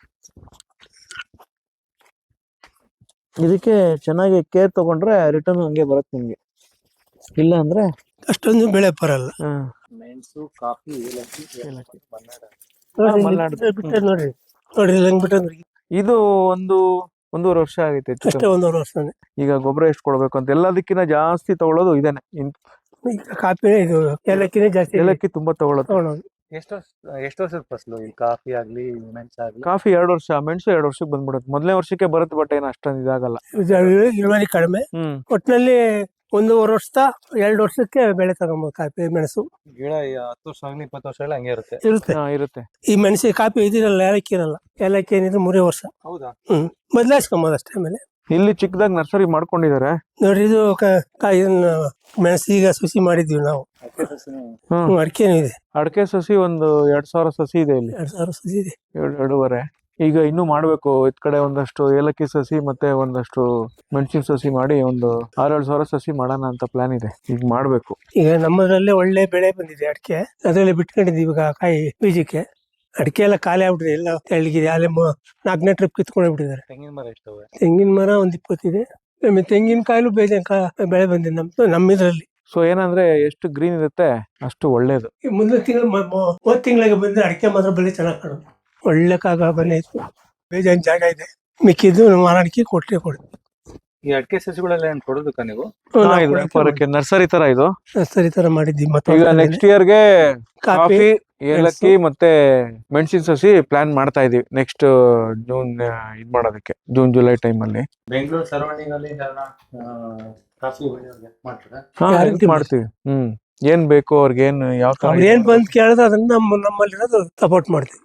Speaker 1: ಇದಕ್ಕೆ ಚೆನ್ನಾಗಿ ಕೇರ್ ತಗೊಂಡ್ರೆ ರಿಟರ್ನ್ ಹಂಗೆ ಬರುತ್ತೆ ನಿಮ್ಗೆ. ಇಲ್ಲ ಅಂದ್ರೆ
Speaker 2: ಅಷ್ಟೊಂದು ಬೆಳೆ ಬರಲ್ಲ.
Speaker 1: ಹ್ಮ್
Speaker 3: ಮೆಣಸು, ಕಾಫಿ, ಏಲಕ್ಕಿ,
Speaker 1: ಏಲಕ್ಕಿ.
Speaker 3: ಮನ್ನಾಡ.
Speaker 2: ನೋಡ್ರಿ,
Speaker 1: ಮಲ್ನಾಡು.
Speaker 2: ಬಿಟ್ಟದ್ ನೋಡ್ರಿ, ನೋಡ್ರಿ ಹೆಂಗ್ ಬಿಟ್ಟದ್ ನೋಡಿ.
Speaker 1: ಇದು ಒಂದು ಒಂದೂವರೆ ವರ್ಷ ಆಗೈತೆ ಹೆಚ್ಚು
Speaker 2: ಅಷ್ಟೇ
Speaker 1: ಕಮ್ಮಿ.
Speaker 2: ಒಂದೂವರೆ ವರ್ಷನೇ.
Speaker 1: ಈಗ ಗೊಬ್ಬರ ಎಷ್ಟು ಕೊಡ್ಬೇಕು ಅಂತ ಎಲ್ಲದಕ್ಕಿಂತ ಜಾಸ್ತಿ ತಗೊಳ್ಳೋದು ಇದೇನೆ. ಇನ್-
Speaker 2: ಈಗ ಕಾಪಿ ಇದು ಏಲಕ್ಕಿನೇ ಜಾಸ್ತಿ
Speaker 1: ಏಲಕ್ಕಿ ತುಂಬಾ ತಗೊಳ್ಳೋದು.
Speaker 2: ತಗೊಳೋದು.
Speaker 3: ಎಷ್ಟು ವರ್ಷ ಎಷ್ಟು ವರ್ಷದ ಫಸಲು ಈ ಕಾಫಿ ಆಗ್ಲಿ ಮೆಣಸು ಆಗ್ಲಿ?
Speaker 1: ಕಾಫಿ ಎರಡು ವರ್ಷ, ಮೆಣಸು ಎರಡು ವರ್ಷಕ್ಕೆ ಬಂದ್ಬಿಡುತ್ತೆ. ಮೊದಲನೇ ವರ್ಷಕ್ಕೆ ಬರುತ್ತೆ, ಬಟ್ ಏನು ಅಷ್ಟೊಂದು ಇದಾಗಲ್ಲ.
Speaker 2: ಇದು ಇಳುವರಿ ಕಡಿಮೆ.
Speaker 1: ಹ್ಮ್
Speaker 2: ಒಟ್ಟಿನಲ್ಲಿ ಒಂದೂವರೆ ವರ್ಷ ಎರಡು ವರ್ಷಕ್ಕೆ ಬೆಳೆ ತಗೊಬೋದು ಕಾಪಿ ಮೆಣಸು
Speaker 3: ಗಿಡ ಈ ಹತ್ತು ವರ್ಷ ಆಗ್ಲಿ ಇಪ್ಪತ್ತು ವರ್ಷ ಆಗ್ಲಿ ಹಂಗೆ ಇರುತ್ತೆ.
Speaker 2: ಇರುತ್ತೆ.
Speaker 1: ಹಾ, ಇರುತ್ತೆ.
Speaker 2: ಈ ಮೆಣಸಿ ಕಾಪಿ ಇದಿರಲ್ಲ, ಏಲಕ್ಕಿ ಇರಲ್ಲ. ಏಲಕ್ಕಿ ಏನಿದ್ರು ಮೂರೇ ವರ್ಷ.
Speaker 3: ಹೌದಾ?
Speaker 2: ಹ್ಮ್ ಬದಲಾಯಿಸ್ಕೊಂಬೋದು ಅಷ್ಟೇ. ಆಮೇಲೆ
Speaker 1: ಇಲ್ಲಿ ಚಿಕ್ಕದಾಗಿ ನರ್ಸರಿ ಮಾಡ್ಕೊಂಡಿದ್ದಾರೆ.
Speaker 2: ನೋಡ್ರಿ ಇದು ಕ- ಕ- ಇದನ್ನ ಮೆಣಸು ಈಗ ಸುಸಿ ಮಾಡಿದ್ವಿ ನಾವು.
Speaker 3: ಅಡಿಕೆ ಸಸಿನೂ
Speaker 1: ಹ್ಮ್
Speaker 2: ಅಡಿಕೆನೂ ಇದೆ,
Speaker 1: ಅಡಕೆ ಸಸಿ ಒಂದು ಎರಡ್ ಸಾವಿರ ಸಸಿ ಇದೆ ಇಲ್ಲಿ,
Speaker 2: ಎರಡ್ ಸಾವಿರ ಸುಸಿ ಇದೆ.
Speaker 1: ಎರಡು ಎರಡೂವರೆ. ಈಗ ಇನ್ನೂ ಮಾಡ್ಬೇಕು. ಇದ್ ಕಡೆ ಒಂದಷ್ಟು ಏಲಕ್ಕಿ ಸಸಿ ಮತ್ತೆ ಒಂದಷ್ಟು ಮೆಣಸಿನ ಸಸಿ ಮಾಡಿ ಒಂದು ಆರೇಳು ಸಾವಿರ ಸಸಿ ಮಾಡೋಣ ಅಂತ ಪ್ಲಾನ್ ಇದೆ. ಈಗ ಮಾಡ್ಬೇಕು.
Speaker 2: ಈಗ ನಮ್ಮದ್ರಲ್ಲೇ ಒಳ್ಳೆ ಬೆಳೆ ಬಂದಿದೆ ಅಡಿಕೆ. ಅದರಲ್ಲಿ ಬಿಟ್ಕೊಂಡಿದ್ದೀವಿ ಈಗ ಕಾಯಿ ಬೀಜಕ್ಕೆ. ಅಡಿಕೆ ಎಲ್ಲ ಖಾಲಿ ಆಗ್ಬಿಟ್ಟಿದೆ, ಎಲ್ಲ ತೆಳ್ಳಗಿದೆ. ಅಲ್ಲಿ ನಾಲ್ಕನೇ ಟ್ರಿಪ್ ಕಿತ್ಕೊಂಡು ಬಿಟ್ಟಿದ್ದಾರೆ.
Speaker 3: ತೆಂಗಿನ ಮರ ಎಷ್ಟವೆ?
Speaker 2: ತೆಂಗಿನ ಮರ ಒಂದ್ ಇಪ್ಪತ್ತಿದೆ. ಆಮೇಲೆ ತೆಂಗಿನಕಾಯಿಲು ಬೇಜಾನ್ ಕಾ ಬೆಳೆ ಬಂದಿದೆ ನಮ್ದು ನಮ್ಮಿದ್ರಲ್ಲಿ.
Speaker 1: ಸೊ ಏನಂದ್ರೆ ಎಷ್ಟು ಗ್ರೀನ್ ಇರುತ್ತೆ ಅಷ್ಟು ಒಳ್ಳೇದು.
Speaker 2: ಈ ಮುಂದಿನ ತಿಂಗಳು ಮೂವತ್ತು ತಿಂಗಳಿಗೆ ಬಂದ್ರೆ ಅಡಿಕೆ ಮಾತ್ರ ಬೆಳೆ ಚೆನ್ನಾಗಿ ಕಾಣುತ್ತೆ. ಒಳ್ಳೆ ಕಾಗ ಬಂದೈತು, ಬೇಜಾನ್ ಜಾಗ ಇದೆ. ಮಿಕ್ಕಿದ್ದು ಮಾರಾಟಕ್ಕೆ ಕೊಟ್ಟರೆ ಕೊಡ್ತೀವಿ.
Speaker 3: ಈ ಅಡಿಕೆ ಸಸಿಗಳೆಲ್ಲ ಏನ್ ಕೊಡೋದಕ್ಕ ನೀವು?
Speaker 1: ಹಾ, ಇದು ವ್ಯಾಪಾರಕ್ಕೆ ನರ್ಸರಿ ತರ ಇದು.
Speaker 2: ಸರಿ ತರ ಮಾಡಿದ್ವಿ.
Speaker 1: ಈಗ
Speaker 2: ಮತ್ತೆ
Speaker 1: ನೆಕ್ಸ್ಟ್ ಇಯರ್ಗೆ
Speaker 2: ಕಾಫಿ
Speaker 1: ಕಾಫಿ, ಏಲಕ್ಕಿ ಮತ್ತೆ ಮೆಣಸಿನ ಸಸಿ ಪ್ಲಾನ್ ಮಾಡ್ತಾ ಇದೀವಿ. ನೆಕ್ಸ್ಟ್ ಜೂನ್ ಇದ್ ಮಾಡೋದಕ್ಕೆ, ಜೂನ್ ಜುಲೈ ಟೈಮ್ ಅಲ್ಲಿ.
Speaker 3: ಬೆಂಗಳೂರು ಸರೌಂಡಿಂಗ್ ಅಲ್ಲಿ ಕಾಫಿ ಬೆಳೆಯೋರ್ಗೆ ಮಾಡ್ತಾರೆ.
Speaker 1: ಹಾ,
Speaker 2: Guarantee
Speaker 1: help ಮಾಡ್ತೀವಿ. ಹ್ಮ್ ಏನ್ ಬೇಕು ಅವ್ರಿಗೆ, ಏನ್ ಯಾವ ತರ
Speaker 2: ಅವ್ರು ಏನ್ ಬಂದ್ ಕೇಳಿದ್ರೆ ಅದನ್ನ ನಮ್ಮ ನಮ್ಮಲ್ಲಿರೋದು ಸಪೋರ್ಟ್ ಮಾಡ್ತೀವಿ.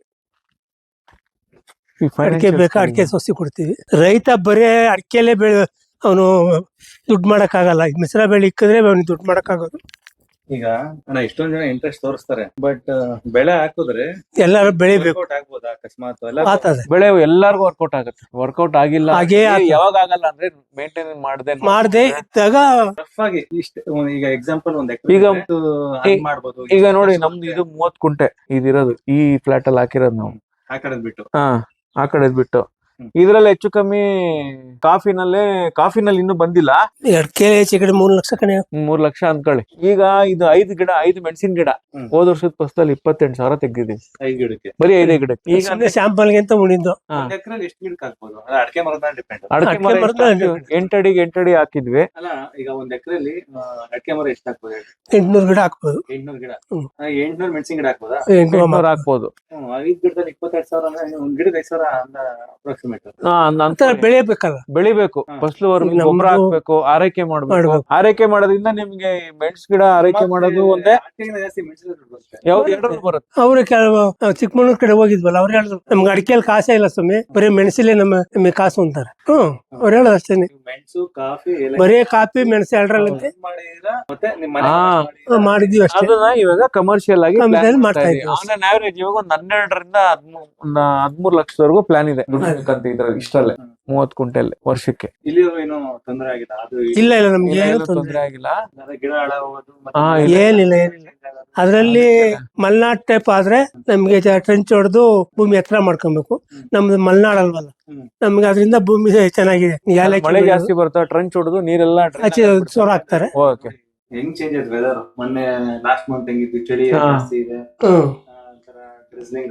Speaker 1: ಈ
Speaker 2: ಅಡಿಕೆ
Speaker 1: financial
Speaker 2: ಬೇಕಾ ಅಡಿಕೆ ಸಸಿ ಕೊಡ್ತೀವಿ. ರೈತ ಬರೇ ಅಡಿಕೆಲೆ ಬೆಳೆ ಅವನು ದುಡ್ಡು ಮಾಡಕ್ ಆಗಲ್ಲ. ಮಿಶ್ರ ಬೆಳೆ ಇಕ್ಕಿದ್ರೆ ಅವ್ನಿಗೆ ದುಡ್ಡು ಮಾಡಕ್ ಆಗೋದು.
Speaker 3: ಈಗ ಅಣ್ಣ ಎಷ್ಟೊಂದ್ ಜನ ಇಂಟ್ರೆಸ್ಟ್ ತೋರಿಸ್ತಾರೆ, ಬಟ್ ಬೆಳೆ ಹಾಕಿದ್ರೆ
Speaker 2: ಎಲ್ಲಾರು ಬೆಳಿಬೇಕು.
Speaker 3: ವರ್ಕೌಟ್ ಆಗ್ಬೋದಾ ಅಕಸ್ಮಾತ್? ಎಲ್ಲ
Speaker 2: ಆಗ್ತದೆ,
Speaker 1: ಬೆಳೆ ಎಲ್ಲಾರ್ಗು ವರ್ಕೌಟ್ ಆಗುತ್ತೆ. ವರ್ಕೌಟ್ ಆಗಿಲ್ಲ
Speaker 2: ಹಾಗೇ
Speaker 1: ಅಂದ್ರೆ
Speaker 2: ಆಗ್ತದೆ.
Speaker 1: ಯಾವಾಗ ಆಗಲ್ಲ ಅಂದ್ರೆ ಮೇಂಟೈನ್ ಮಾಡದೆ
Speaker 2: ಮಾಡದೆ ಇದ್ದಾಗ
Speaker 3: ರಫ್ ಆಗಿ ಇಷ್ಟ ಈಗ ಎಕ್ಸಾಂಪಲ್ ಒಂದ್
Speaker 1: ಈಗ
Speaker 3: ಎಕರೆ ಮಾಡ್ಬೋದು.
Speaker 1: ಈಗ ನೋಡಿ, ನಮ್ದು ಇದು ಮೂವತ್ ಕುಂಟೆ ಇದಿರೋದು. ಈ ಫ್ಲಾಟ್ ಅಲ್ಲಿ ಹಾಕಿರೋದು ನಾವು.
Speaker 3: ಆ ಕಡೆ ಬಿಟ್ಟು
Speaker 1: ಹಾ, ಆ ಕಡೆದ್ ಬಿಟ್ಟು.
Speaker 3: ಹ್ಮ್.
Speaker 1: ಇದ್ರಲ್ಲಿ ಹೆಚ್ಚು ಕಮ್ಮಿ ಕಾಫಿನಲ್ಲೇ, ಕಾಫಿನಲ್ಲಿ ಇನ್ನೂ ಬಂದಿಲ್ಲ.
Speaker 2: ಅಡಿಕೆ ಹೆಚ್ಚು ಕಡೆ ಮೂರ್ ಲಕ್ಷ ಕಣೆ.
Speaker 1: ಮೂರ್ ಲಕ್ಷ ಅನ್ಕೊಳ್ಳಿ. ಈಗ ಇದು ಐದು ಗಿಡ, ಐದು ಮೆಣಸಿನ ಗಿಡ
Speaker 3: ಹ್ಮ್.
Speaker 1: ಹೋದ ವರ್ಷದ ಫಸಲಲ್ಲಿ ಇಪ್ಪತ್ತೆಂಟು ಸಾವಿರ ತೆಗ್ದಿದೀವಿ,
Speaker 3: ಐದು ಗಿಡಕ್ಕೆ.
Speaker 1: ಬರೀ ಐದೇ ಗಿಡಕ್ಕೆ. ಈಗ
Speaker 2: ಸುಮ್ಮನೆ ಸ್ಯಾಂಪಲ್ಗೆ ಅಂತ ಉಳಿದ್ದು.
Speaker 1: ಹಾ,
Speaker 3: ಒಂದ್ ಎಕರೆಲಿ ಎಷ್ಟು ಗಿಡಕ್ಕೆ ಹಾಕ್ಬೋದು? ಅದು ಅಡಿಕೆ ಮರದ ಡಿಪೆಂಡ್.
Speaker 1: ಅಡಕೆ
Speaker 2: ಅಡ್ಕೆ
Speaker 1: ಮರ
Speaker 2: ಮರದ
Speaker 1: ಎಷ್ಟು ಹಾಕಿದ್ವಿ? ಎಂಟಡಿಗೆ ಎಂಟಡಿ ಹಾಕಿದ್ವಿ.
Speaker 3: ಅಲ್ಲ, ಈಗ ಒಂದ್ ಎಕರೆಲಿ ಅಡಿಕೆ ಮರ ಎಷ್ಟು ಹಾಕ್ಬೋದು?
Speaker 2: ಎಂಟ್ನೂರು ಗಿಡ ಹಾಕ್ಬೋದು.
Speaker 3: ಎಂಟ್ನೂರು ಗಿಡ.
Speaker 2: ಹ್ಮ್.
Speaker 3: ಎಂಟ್ನೂರು ಮೆಣಸಿನ ಗಿಡ ಹಾಕ್ಬೋದಾ?
Speaker 2: ಎಂಟ್ನೂರು
Speaker 1: ಎಂಟ್ನೂರು ಹಾಕ್ಬೋದು.
Speaker 3: ಹ್ಮ್, ಐದ್ ಗಿಡದಲ್ಲಿ ಇಪ್ಪತ್ತೆರಡು ಸಾವಿರ ಅಂದ್ರೆ ಒಂದ್ ಗಿಡದ ಐದು ಸಾವಿರ ಅಪ್ರಾಕ್ಸಿಮೇಟ್.
Speaker 1: ಹಾ, ಅಂದ್-
Speaker 2: ಅಂತ ಬೆಳೆಯಬೇಕಲ್ಲ.
Speaker 1: ಬೆಳಿಬೇಕು.
Speaker 3: ಹಾ.
Speaker 1: ಫಸಲು
Speaker 2: ನಮ್ದು
Speaker 1: ಗೊಬ್ಬರ ಹಾಕ್ಬೇಕು, ಆರೈಕೆ ಮಾಡ್ಬೇಕು.
Speaker 2: ಮಾಡ್ಬೇಕು.
Speaker 1: ಆರೈಕೆ ಮಾಡೋದ್ರಿಂದ ನಿಮ್ಗೆ ಮೆಣಸು ಗಿಡ ಆರೈಕೆ ಮಾಡೋದು ಒಂದೇ.
Speaker 3: ಅಡಿಕೆಗಿಂತ ಜಾಸ್ತಿ ಮೆಣಸಿನ ದುಡ್ಡು ಬರುತ್ತೆ.
Speaker 1: ಯಾವ್ದು ಎರಡರಲ್ಲೂ ಬರುತ್ತೆ.
Speaker 2: ಅವ್ರು ಕೆಲವು ನಾವು ಚಿಕ್ಕಮಗಳೂರ್ ಕಡೆ ಹೋಗಿದ್ವಲ್ಲ, ಅವ್ರು ಹೇಳಿದ್ರು ನಮ್ಗೆ ಅಡಿಕೆಯಲ್ಲಿ ಕಾಸೇ ಇಲ್ಲ ಸ್ವಾಮಿ, ಬರೀ ಮೆಣಸಲ್ಲೇ ನಮ್ಮ ನಮಗೆ ಕಾಸು ಅಂತಾರೆ. ಹ್ಮ್ ಅವ್ರು ಹೇಳೋದು ಅಷ್ಟೇನೆ.
Speaker 3: ನೀವು ಮೆಣಸು, ಕಾಫಿ,
Speaker 2: ಬರೀ ಕಾಫಿ ಮೆಣಸು ಎರಡರಲ್ಲಂತೆ
Speaker 3: ಮಾಡಿದೀರಾ? ಮತ್ತೆ ನಿಮ್ ಮನೆ
Speaker 1: ಹಾ.
Speaker 3: ಮಾಡಿದೀರಾ?
Speaker 2: ಮಾಡಿದೀವಿ ಅಷ್ಟೇ.
Speaker 1: ಅದನ್ನ ಇವಾಗ ಕಮರ್ಷಿಯಲ್ ಆಗಿ
Speaker 2: Commercial
Speaker 1: plan
Speaker 2: ಮಾಡ್ತಾ
Speaker 1: ಮಾಡ್ತಾ
Speaker 2: ಇದ್ದೀವಿ.
Speaker 1: ಇದೀವಿ. ಆನ್ ಆವರೇಜ್ ಇವಾಗ ಒಂದ್ ಹನ್ನೆರಡರಿಂದ ಹದ್ಮೂ- ಒಂದ್ ಹದ್ಮೂರ್ ಲಕ್ಷದವರೆಗೂ ಪ್ಲಾನ್ ಇದೆ ದುಡಿಬೇಕಂತ ಇದ್ರಲ್ಲಿ, ಇಷ್ಟಲ್ಲೇ ಮೂವತ್ ಕುಂಟೆಲ್ ವರ್ಷಕ್ಕೆ.
Speaker 3: ಇಲ್ಲಿವರೆಗೂ ಏನು ತೊಂದರೆ ಆಗಿಲ್ಲ? ಅದು
Speaker 2: ಇಲ್ಲ ಇಲ್ಲ ನಮ್ಗೆ
Speaker 1: ಇಲ್ಲ,
Speaker 2: ಏನು
Speaker 1: ಏನು
Speaker 2: ತೊಂದ್ರೆ
Speaker 1: ತೊಂದ್ರೆ ಆಗಿಲ್ಲ.
Speaker 3: ಅಂದ್ರೆ ಗಿಡ ಹಾಳಾಗೋದು ಮತ್ತೆ
Speaker 1: ಹಾ,
Speaker 3: ಮಳೆ
Speaker 1: ಇಲ್ಲ.
Speaker 2: ಏನಿಲ್ಲ ಏನಿಲ್ಲ. ಅದ್ರಲ್ಲಿ ಮಲ್ನಾಡ್ ಟೈಪ್ ಆದ್ರೆ ನಮ್ಗೆ ಟ್ರೆಂಚ್ ಹೊಡೆದು ಭೂಮಿ ಎತ್ತರ ಮಾಡ್ಕೊಬೇಕು. ನಮ್ದು ಮಲ್ನಾಡ್ ಅಲ್ವಲ್ಲ,
Speaker 3: ಹ್ಮ್.
Speaker 2: ನಮ್ಗೆ ಅದರಿಂದ ಭೂಮಿ ಚೆನ್ನಾಗಿದೆ. ಏಲಕ್ಕಿ
Speaker 1: ಮಳೆ
Speaker 2: ಬೆಳೆಯೋದು,
Speaker 1: ಜಾಸ್ತಿ ಬರ್ತಾ ಟ್ರಂಚ್ ಹೊಡೆದು ನೀರೆಲ್ಲ
Speaker 2: ಆಚೆ ಸೋರ ಹಾಕ್ತಾರೆ.
Speaker 1: ಓಕೆ.
Speaker 3: ಹೆಂಗ್ ಚೇಂಜ್ ಆಯ್ತು ವೆದರ್? ಮೊನ್ನೆ ಲಾಸ್ಟ್ ಮಂತ್ ಹೆಂಗಿತ್ತು? ಚಳಿ
Speaker 1: ಹಾ.
Speaker 3: ಜಾಸ್ತಿ ಇದೆ,
Speaker 2: ಹ್ಮ್
Speaker 3: ಡ್ರಿಸ್ಲಿಂಗ್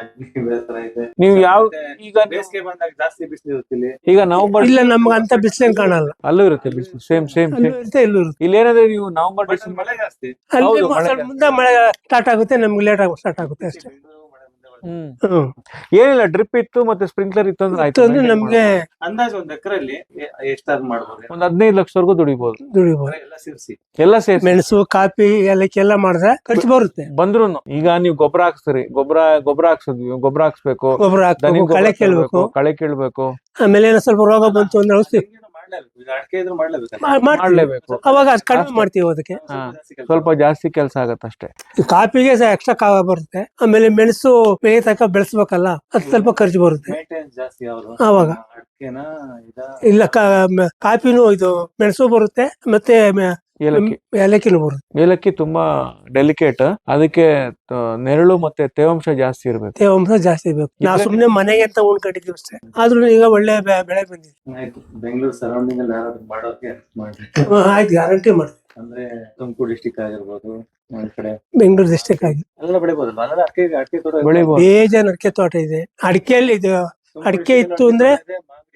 Speaker 3: ತರ ಇದೆ.
Speaker 1: ನೀವು ಯಾವ
Speaker 3: ಮತ್ತೆ
Speaker 1: ಈಗ ನೀವು-
Speaker 3: ಬೇಸಿಗೆ ಬಂದಾಗ ಜಾಸ್ತಿ ಬಿಸಿಲು ಇರುತ್ತೆ ಇಲ್ಲಿ.
Speaker 1: ಈಗ ನವಂಬರ್
Speaker 2: ಇಲ್ಲ ನಮ್ಗೆ ಅಂತ ಬಿಸಿಲೇನ್ ಕಾಣಲ್ಲ.
Speaker 1: ಅಲ್ಲೂ ಇರುತ್ತೆ ಬಿಸಿಲು, ಸೇಮ್ ಸೇಮ್
Speaker 2: ಅಲ್ಲೂ
Speaker 1: ಸೇಮ್.
Speaker 2: ಇರುತ್ತೆ ಇಲ್ಲೂ ಇರುತ್ತೆ.
Speaker 1: ಇಲ್ಲಿ ಏನಂದ್ರೆ ನೀವು ನವಂಬರ್
Speaker 3: But
Speaker 1: ಡಿಸೆಂಬರ್
Speaker 3: ಮಳೆ ಜಾಸ್ತಿ.
Speaker 2: ಅಲ್ಲಿ
Speaker 1: ಹೌದು, ಮಳೆ
Speaker 2: ಸ್ವಲ್ಪ ಮುಂದೆ ಮಳೆ ಸ್ಟಾರ್ಟ್ ಆಗುತ್ತೆ, ನಮ್ಗೆ ಲೇಟ್ ಆಗಿ ಸ್ಟಾರ್ಟ್ ಆಗುತ್ತೆ ಅಷ್ಟೇ.
Speaker 3: ಬೆಂಗಳೂರು ಮಳೆ ಮುಂದೆ ಬರುತ್ತೆ.
Speaker 1: ಹ್ಮ್
Speaker 2: ಹ್ಮ್
Speaker 1: ಏನಿಲ್ಲ, ಡ್ರಿಪ್ ಇತ್ತು ಮತ್ತೆ ಸ್ಪ್ರಿಂಕ್ಲರ್ ಇತ್ತು ಅಂದ್ರೆ ಆಯ್ತು.
Speaker 2: ಅಂದ್ರೆ ನಮ್ಗೆ
Speaker 3: ಅಂದಾಜು ಒಂದ್ ಎಕರೆಲ್ಲಿ ಎಷ್ಟಾದ್ರು ಮಾಡ್ಬೋದು?
Speaker 1: ಒಂದ್ ಹದಿನೈದು ಲಕ್ಷವರೆಗೂ ದುಡಿಬಹುದು
Speaker 2: ದುಡಿಬಹುದು.
Speaker 3: ಎಲ್ಲ ಸೇರಿಸಿ
Speaker 1: ಎಲ್ಲ ಸೇರ್ಸಿ.
Speaker 2: ಮೆಣಸು, ಕಾಫಿ, ಏಲಕ್ಕಿ ಎಲ್ಲ ಮಾಡಿದ್ರೆ ಖರ್ಚು ಬರುತ್ತೆ.
Speaker 1: ಬಂದ್ರುನು ಈಗ ನೀವು ಗೊಬ್ಬರ ಹಾಕ್ಸ್ತೀರಿ, ಗೊಬ್ಬರ ಗೊಬ್ಬರ ಹಾಕ್ಸಿದ್ವಿ, ಗೊಬ್ಬರ ಹಾಕ್ಸ್ಬೇಕು,
Speaker 2: ಗೊಬ್ಬರ
Speaker 1: ದನಿ
Speaker 2: ಹಾಕ್ಬೇಕು, ಕಳೆ ಕೇಳ್ಬೇಕು.
Speaker 1: ಕಳೆ ಕೀಳ್ಬೇಕು,
Speaker 2: ಆಮೇಲೆ ಏನೋ ಸ್ವಲ್ಪ ರೋಗ ಬಂತು ಅಂದ್ರೆ ಔಷಧಿ
Speaker 3: ಮಾಡ್ಲೇಬೇಕು. ಈಗ ಅಡಿಕೆ ಇದ್ರು ಮಾಡ್ಲೇಬೇಕು.
Speaker 2: ಮಾ- ಮಾಡ್ತೀವಿ.
Speaker 1: ಮಾಡ್ಲೇಬೇಕು.
Speaker 2: ಅವಾಗ ಅದ್ ಕಡಿಮೆ ಮಾಡ್ತೀವಿ ಅದಕ್ಕೆ.
Speaker 1: ಹಾ. ಸ್ವಲ್ಪ ಜಾಸ್ತಿ ಕೆಲಸ ಆಗತ್ತಷ್ಟೇ.
Speaker 2: ಈ ಕಾಫಿಗೆ ಎಕ್ಸ್ಟ್ರಾ ಕಾವ ಬರುತ್ತೆ. ಆಮೇಲೆ ಮೆಣಸು ಬೆಳೆ ತನಕ ಬೆಳೆಸ್ಬೇಕಲ್ಲ, ಅದು ಸ್ವಲ್ಪ ಖರ್ಚು ಬರುತ್ತೆ.
Speaker 3: ಮೇಂಟೆನೆನ್ಸ್ ಜಾಸ್ತಿ ಯಾವ್ದು?
Speaker 2: ಆವಾಗ
Speaker 3: ಅಡಿಕೆನಾ ಇದ?
Speaker 2: ಇಲ್ಲ ಕಾ- ಮ- ಕಾಫಿನೂ ಇದು ಮೆಣಸು ಬರುತ್ತೆ, ಮತ್ತೆ ಮ-
Speaker 1: ಏಲಕ್ಕಿ
Speaker 2: ಏಲಕ್ಕಿನೂ ಬರುತ್ತೆ.
Speaker 1: ಏಲಕ್ಕಿ ತುಂಬಾ ಡೆಲಿಕೇಟ್, ಅದಕ್ಕೆ ತ- ನೆರಳು ಮತ್ತೆ ತೇವಾಂಶ ಜಾಸ್ತಿ ಇರ್ಬೇಕು.
Speaker 2: ತೇವಾಂಶ ಜಾಸ್ತಿ ಬೇಕು. ನಾವು ಸುಮ್ನೆ ಮನೆಗೆ ಅಂತ ಉಣ್ಕೊಂಡಿದ್ದೀವಿ ಅಷ್ಟೇ. ಆದ್ರೂ ಈಗ ಒಳ್ಳೆ ಬೆ- ಬೆಳೆ ಬಂದಿದೆ.
Speaker 3: ಆಯ್ತು, ಬೆಂಗಳೂರು ಸರೌಂಡಿಂಗ್ ಅಲ್ಲಿ ಯಾರಾದ್ರೂ ಮಾಡೋಕೆ ಮಾಡ್ರಿ.
Speaker 2: ಹ್ಮ್, ಆಯ್ತು, ಗ್ಯಾರಂಟಿ ಮಾಡ್ತೀವಿ.
Speaker 3: ಅಂದ್ರೆ ತುಮಕೂರು ಡಿಸ್ಟಿಕ್ ಆಗಿರ್ಬೋದು, ಒಂದ್ ಕಡೆ
Speaker 2: ಬೆಂಗಳೂರು ಡಿಸ್ಟಿಕ್ ಆಗಿ
Speaker 3: ಎಲ್ಲ ಬೆಳಿಬೋದಲ್ಲ? ಅಂದ್ರೆ ಅಡಿಕೆ ಅಡಿಕೆ ತೋಟ
Speaker 1: ಬೆಳಿಬೋದು.
Speaker 2: ಬೇಜಾನ್ ಅಡಿಕೆ ತೋಟ ಇದೆ. ಅಡಿಕೆಯಲ್ಲಿ ಇದು
Speaker 3: ತುಮಕೂರು
Speaker 2: ಅಡಿಕೆ
Speaker 3: district
Speaker 2: ಇತ್ತು
Speaker 3: ಅಲ್ಲಿ
Speaker 2: ಅಂದ್ರೆ
Speaker 3: ಇದೆ, ಮಾಗಡಿ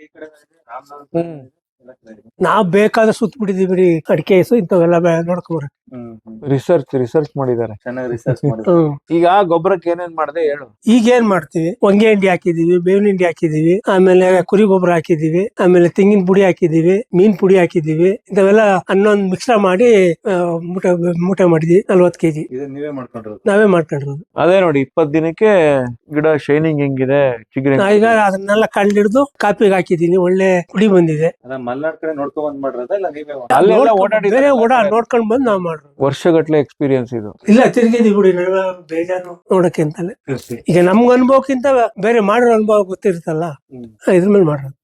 Speaker 3: ಈ ಕಡೆ ರಾಮನಗರ
Speaker 1: ಹ್ಮ್.
Speaker 3: ಎಲ್ಲ ಕಡೆ ಇದೆ.
Speaker 2: ನಾವ್ ಬೇಕಾದ್ರೆ ಸುತ್ತ ಬಿಟ್ಟಿದೀವಿ ಅಡಿಕೆ ಇಂಥವೆಲ್ಲ ನೋಡ್ಕೊಬರ
Speaker 3: ಹ್ಮ್ ಹ್ಮ್.
Speaker 1: ರಿಸರ್ಚ್ ರಿಸರ್ಚ್ ಮಾಡಿದ್ದಾರೆ.
Speaker 3: ಚೆನ್ನಾಗಿ ರಿಸರ್ಚ್ ಮಾಡಿದ್ರು.
Speaker 2: ಹ್ಮ್
Speaker 1: ಈಗ ಗೊಬ್ಬರಕ್ಕೆ ಏನೇನ್ ಮಾಡಿದೆ ಹೇಳು.
Speaker 2: ಈಗ ಏನ್ ಮಾಡ್ತೀವಿ, ಹೊಂಗೆ ಹಿಂಡಿ ಹಾಕಿದೀವಿ, ಬೇವಿನ ಹಿಂಡಿ ಹಾಕಿದೀವಿ, ಆಮೇಲೆ ಕುರಿ ಗೊಬ್ಬರ ಹಾಕಿದೀವಿ, ಆಮೇಲೆ ತೆಂಗಿನ ಪುಡಿ ಹಾಕಿದೀವಿ, ಮೀನ್ ಪುಡಿ ಹಾಕಿದೀವಿ. ಇಂಥವೆಲ್ಲ ಹನ್ನೊಂದು ಮಿಕ್ಸ್ರ ಮಾಡಿ ಆ, ಮೂಟೆ ಮೂಟೆ ಮಾಡಿದ್ವಿ ನಲ್ವತ್ತು ಕೆಜಿ
Speaker 3: ಇದು ನೀವೇ ಮಾಡ್ಕೊಂಡಿರೋದು.
Speaker 2: ನಾವೇ ಮಾಡ್ಕೊಂಡಿರೋದು.
Speaker 1: ಅದೇ ನೋಡಿ ಇಪ್ಪತ್ ದಿನಕ್ಕೆ ಗಿಡ ಶೈನಿಂಗ್ ಹೆಂಗಿದೆ, ಚಿಗುರಿ
Speaker 2: ನಾ ಈಗ ಅದನ್ನೆಲ್ಲ ಕಂಡಿಡ್ದು ಕಾಪಿಗೆ ಹಾಕಿದೀನಿ, ಒಳ್ಳೆ ಪುಡಿ ಬಂದಿದೆ.
Speaker 3: ಅಲ್ಲ ಮಲ್ನಾಡ್ ಕಡೆ ನೋಡ್ಕೊಂಡ್ ಬಂದ್ ಮಾಡಿರೋದ ಇಲ್ಲ ನೀವೇ ಮಾಡ್-
Speaker 1: ಅಲ್ಲೆಲ್ಲ
Speaker 2: ನೋಡ್ಕೊಂಡ್-
Speaker 1: ಓಡಾಡಿದ್ದಾರೆ.
Speaker 2: ಬೇರೆ ಓಡಾ ನೋಡ್ಕೊಂಡ್ ಬಂದು ನಾವ್ ಮಾಡ್ರು.
Speaker 1: ವರ್ಷಗಟ್ಲೆ ಎಕ್ಸ್ಪೀರಿಯನ್ಸ್ ಇದು.
Speaker 2: ಇಲ್ಲ ತಿರ್ಗಿದೀವಿ ಬಿಡಿ, ನಡುವೆ ಬೇಜಾರು ನೋಡಕ್ಕೆ ಅಂತಲೇ. ಈಗ ನಮ್ಗ ಅನುಭವಕ್ಕಿಂತ ಬೇರೆ ಮಾಡಿರೋ ಅನುಭವ ಗೊತ್ತಿರುತ್ತಲ್ಲ,
Speaker 3: ಹ್ಮ್.
Speaker 2: ಇದ್ರ ಮೇಲೆ ಮಾಡ್ರೋದು.